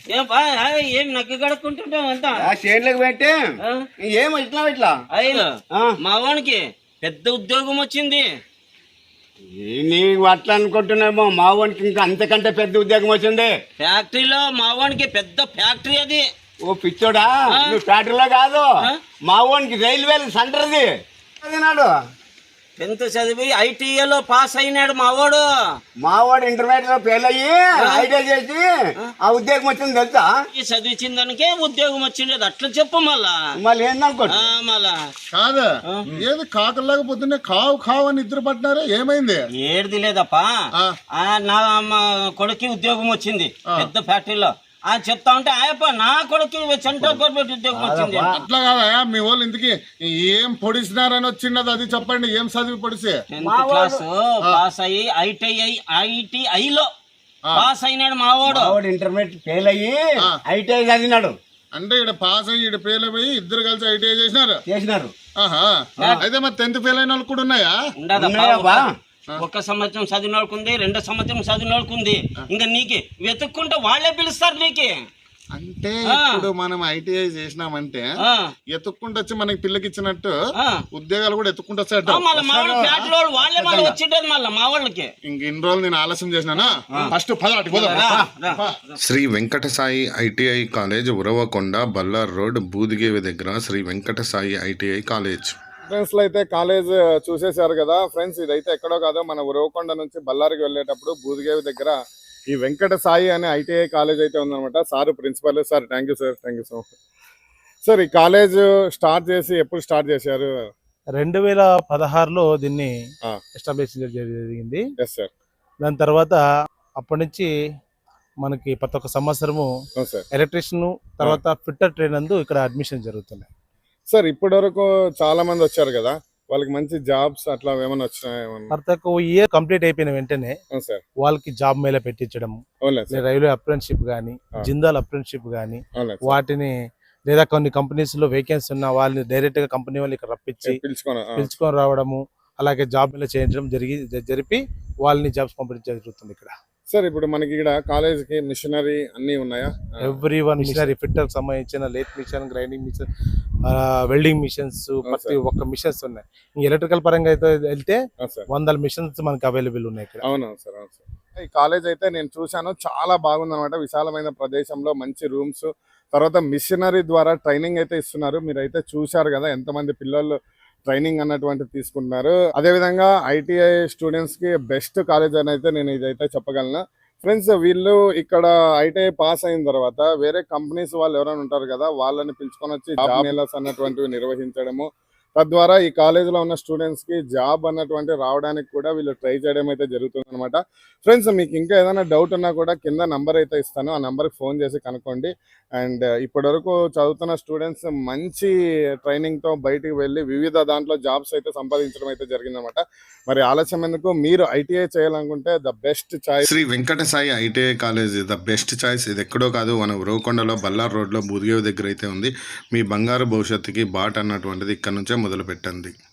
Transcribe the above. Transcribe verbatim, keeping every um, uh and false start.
ఏం బా ఏం నక్కి కడుక్కుంటుంటాం అంతా చేనులకు పెట్టి ఏం ఇట్లా ఇట్లా అయ్యో మా వానికి పెద్ద ఉద్యోగం వచ్చింది. నీకు అట్లా అనుకుంటున్నామో మా వానికి ఇంకా అంతకంటే పెద్ద ఉద్యోగం వచ్చింది. ఫ్యాక్టరీలో మా వానికి పెద్ద ఫ్యాక్టరీ అది. ఓ పిచ్చోడా, నువ్వు ఫ్యాక్టరీలో కాదు మా వానికి రైల్వేలు సెంటర్ది అదినాడు. టెన్త్ చదివి ఐటీఐలో పాస్ అయినాడు మావాడు. మావాడు ఇంటర్మీడియట్ లో ఫెయిల్ అయ్యి ఐటీఐ చేసి ఆ ఉద్యోగం వచ్చింది తెలుసా? చదివించిన దానికే ఉద్యోగం వచ్చింది. అట్లా చెప్పు మళ్ళా మళ్ళీ ఏందనుకో మళ్ళా కాదా ఏది కాకలాగా పొద్దున్నే కావు కావు అని నిద్ర పట్టినారా? ఏమైంది? ఏడిది లేదప్పా, నా కొడుకు ఉద్యోగం వచ్చింది పెద్ద ఫ్యాక్టరీలో. ఆ చెప్తా ఉంటే ఆయప్ప నా కొడుకు సెంట్రల్ గవర్నమెంట్ ఉద్యోగం వచ్చింది. అట్లా కాదా మీ వాళ్ళు ఇంతకి ఏం పొడిసినారని వచ్చింది అది చెప్పండి. ఏం చదివి పొడిసి? టెన్త్ క్లాస్ పాస్ అయ్యి ఐటీఐ ఐటీఐలో పాస్ అయినాడు మావాడు. ఇంటర్మీడియట్ ఫెయిల్ అయ్యి ఐటీఐ చదివినాడు. అంటే ఇక్కడ పాస్ అయ్యి ఇక్కడ ఫెయిల్ అయ్యి ఇద్దరు కలిసి ఐటీఐ చేసినారు చేసినారు ఆహా. అయితే మరి టెన్త్ ఫెయిల్ అయిన వాళ్ళు కూడా ఉన్నాయా? ఒక సంవత్సరం చదివిన వాళ్ళకుంది, రెండో సంవత్సరం చదివిన వాళ్ళకుంది. ఇంకా నీకు వెతుక్కుంటే వాళ్ళే పిలుస్తారు నీకు. అంటే ఇప్పుడు మనం ఐటీఐ చేసినామంటే ఎత్తుక్కుంటూ వచ్చి మనకి పిల్లకి ఇచ్చినట్టు ఉద్యోగాలు కూడా ఎత్తుక్కుంటూ వచ్చాడు. ఇంక ఇన్ని రోజులు నేను ఆలస్యం చేసినానా? ఫస్ట్ పదాటి Sri Venkata Sai ITI college Uravakonda, Bellary road, Budigevi దగ్గర Sri Venkata Sai ITI college. Friends లో అయితే కాలేజ్ చూసేశారు కదా ఫ్రెండ్స్. ఇదైతే ఎక్కడో కాదు, మన ఉరవకొండ నుంచి బళ్ళారికి వెళ్ళేటప్పుడు బూదిగేవి దగ్గర ఈ వెంకట సాయి అనే ఐటీఐ కాలేజ్ అయితే ఉందన్నమాట. Sir principal sir, thank you sir, thank you so much sir. ఈ కాలేజ్ స్టార్ట్ చేసి ఎప్పుడు స్టార్ట్ చేశారు? రెండు వేల పదహారులో దీన్ని ఎస్టాబ్లిష్ జరిగింది. Yes sir. దాని తర్వాత అప్పటి నుంచి మనకి ప్రతి ఒక్క సంవత్సరము ఎలక్ట్రీషియన్ తర్వాత ఫిట్టర్ ట్రైన్ నందు ఇక్కడ అడ్మిషన్ జరుగుతున్నాయి సార్. ఇప్పటి వరకు చాలా మంది వచ్చారు కదా, వాళ్ళకి మంచి జాబ్స్ అట్లా ఏమైనా వచ్చినాయి? ప్రతి ఒక్క ఇయర్ కంప్లీట్ అయిపోయిన వెంటనే వాళ్ళకి జాబ్ మేళ పెట్టించడం, రైల్వే అప్రెంటిషిప్ గానీ, జిందాల్ అప్రెంటిషిప్ గానీ, వాటిని లేదా కొన్ని కంపెనీస్ లో వేకెన్సీ ఉన్న వాళ్ళని డైరెక్ట్ గా కంపెనీ వాళ్ళు ఇక్కడ రప్పించి పిలుచుకొని రావడము, అలాగే జాబ్ మేళ చేయించడం జరిగి జరిపి వాళ్ళని జాబ్స్ పంపించడం జరుగుతుంది ఇక్కడ. సార్ ఇప్పుడు మనకి ఇక్కడ కాలేజ్ కి మిషనరీ అన్ని ఉన్నాయా? ఎవ్రీ వన్ మిషనరీ, ఫిట్టర్ సంబంధించిన lathe machine, grinding machine, welding machines, ప్రతి ఒక్క మిషన్స్ ఉన్నాయి. ఎలక్ట్రికల్ పరంగా అయితే వెళ్తే వందల మిషన్స్ మనకి అవైలబుల్ ఉన్నాయి ఇక్కడ. అవునవును సార్, అవును సార్. ఈ కాలేజ్ అయితే నేను చూశాను, చాలా బాగుంది అనమాట. విశాలమైన ప్రదేశంలో మంచి రూమ్స్, తర్వాత మిషనరీ ద్వారా ట్రైనింగ్ అయితే ఇస్తున్నారు. మీరైతే చూశారు కదా ఎంతమంది పిల్లలు ట్రైనింగ్ అన్నటువంటి తీసుకుంటున్నారు. అదేవిధంగా ఐటీఐ స్టూడెంట్స్ కి బెస్ట్ కాలేజ్ అని అయితే నేను ఇదైతే చెప్పగలను ఫ్రెండ్స్. వీళ్ళు ఇక్కడ ఐటీఐ పాస్ అయిన తర్వాత వేరే కంపెనీస్ వాళ్ళు ఎవరైనా ఉంటారు కదా, వాళ్ళని పిలుచుకొని వచ్చి జాబ్ మేళాస్ అన్నటువంటివి నిర్వహించడము, తద్వారా ఈ కాలేజీలో ఉన్న స్టూడెంట్స్ కి జాబ్ అన్నటువంటి రావడానికి కూడా వీళ్ళు ట్రై చేయడం అయితే జరుగుతుంది అనమాట. ఫ్రెండ్స్ మీకు ఇంకా ఏదైనా డౌట్ ఉన్నా కూడా కింద నంబర్ అయితే ఇస్తాను, ఆ నంబర్కి ఫోన్ చేసి కనుక్కోండి. అండ్ ఇప్పటి వరకు చదువుతున్న స్టూడెంట్స్ మంచి ట్రైనింగ్ తో బయటికి వెళ్ళి వివిధ దాంట్లో జాబ్స్ అయితే సంపాదించడం అయితే జరిగిందనమాట. మరి ఆలస్యం ఎందుకు, మీరు ఐటీఐ చేయాలనుకుంటే the best choice Sri Venkata Sai ITI college the best choice. ఇది ఎక్కడో కాదు, మన ఉరవకొండలో బల్లార్ రోడ్ లో బూదిగేవి దగ్గర అయితే ఉంది. మీ బంగారు భవిష్యత్తుకి బాట్ అన్నటువంటిది ఇక్కడ నుంచే మొదలు పెట్టండి.